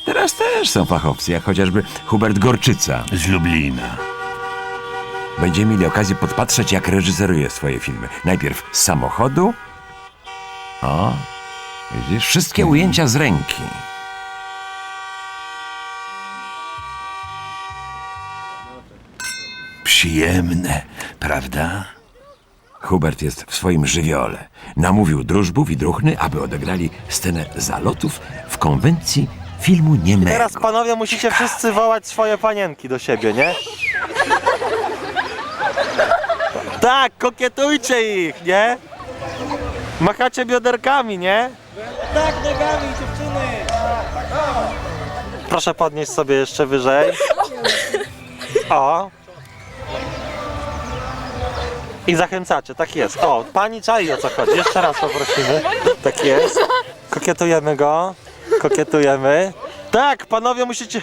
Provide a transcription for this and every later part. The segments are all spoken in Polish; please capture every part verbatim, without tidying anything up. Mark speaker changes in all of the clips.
Speaker 1: Teraz też są fachowcy, jak chociażby Hubert Gorczyca.
Speaker 2: Z Lublina.
Speaker 1: Będziemy mieli okazję podpatrzeć, jak reżyseruje swoje filmy. Najpierw z samochodu. O, widzisz, wszystkie ujęcia z ręki.
Speaker 2: Przyjemne, prawda?
Speaker 1: Hubert jest w swoim żywiole. Namówił Drużbów i Druchny, aby odegrali scenę zalotów w konwencji filmu niemego.
Speaker 3: Teraz panowie musicie wszyscy wołać swoje panienki do siebie, nie? Tak, kokietujcie ich, nie? Machacie bioderkami, nie? Tak, nogami, dziewczyny! Proszę podnieść sobie jeszcze wyżej. O! I zachęcacie, tak jest. O, pani czai, o co chodzi. Jeszcze raz poprosimy. Tak jest. Kokietujemy go. Kokietujemy. Tak, panowie musicie...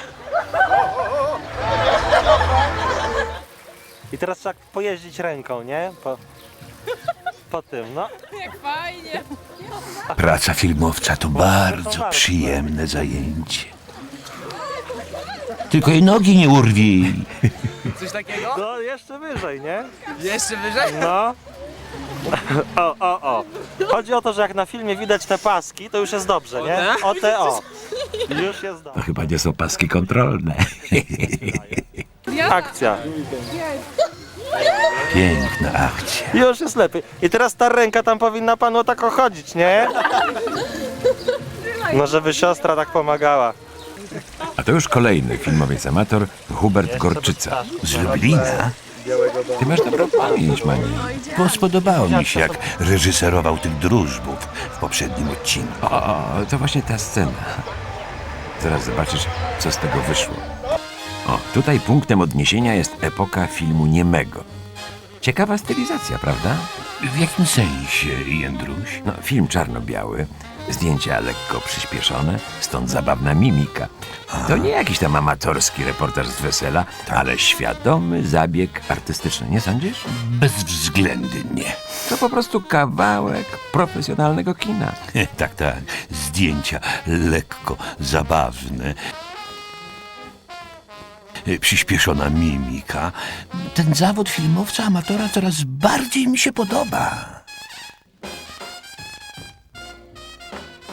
Speaker 3: I teraz trzeba pojeździć ręką, nie? Po, po tym, no.
Speaker 4: Jak fajnie.
Speaker 2: Praca filmowca to bardzo przyjemne zajęcie. Tylko jej nogi nie urwij.
Speaker 4: Coś takiego?
Speaker 3: No, jeszcze wyżej, nie?
Speaker 4: Jeszcze wyżej?
Speaker 3: No. O, o, o. Chodzi o to, że jak na filmie widać te paski, to już jest dobrze, nie? O te, o. Już jest
Speaker 1: To
Speaker 3: dobrze.
Speaker 1: chyba nie są paski kontrolne.
Speaker 3: Akcja.
Speaker 2: Piękna akcja.
Speaker 3: Już jest lepiej. I teraz ta ręka tam powinna panu tak chodzić, nie? No, żeby siostra tak pomagała.
Speaker 1: A to już kolejny filmowiec amator, Hubert Gorczyca.
Speaker 2: Z Lublina?
Speaker 1: Ty masz dobrą pamięć, Mani.
Speaker 2: Bo spodobało mi się, jak reżyserował tych Drużbów w poprzednim odcinku.
Speaker 1: O, o, to właśnie ta scena. Zaraz zobaczysz, co z tego wyszło. O, tutaj punktem odniesienia jest epoka filmu niemego. Ciekawa stylizacja, prawda?
Speaker 2: W jakim sensie, Jędruś?
Speaker 1: No, film czarno-biały, zdjęcia lekko przyspieszone, stąd zabawna mimika. To nie jakiś tam amatorski reportaż z wesela, ale świadomy zabieg artystyczny, nie sądzisz?
Speaker 2: Bezwzględnie.
Speaker 1: To po prostu kawałek profesjonalnego kina.
Speaker 2: Tak, tak. Zdjęcia lekko zabawne. Przyspieszona mimika. Ten zawód filmowca amatora coraz bardziej mi się podoba.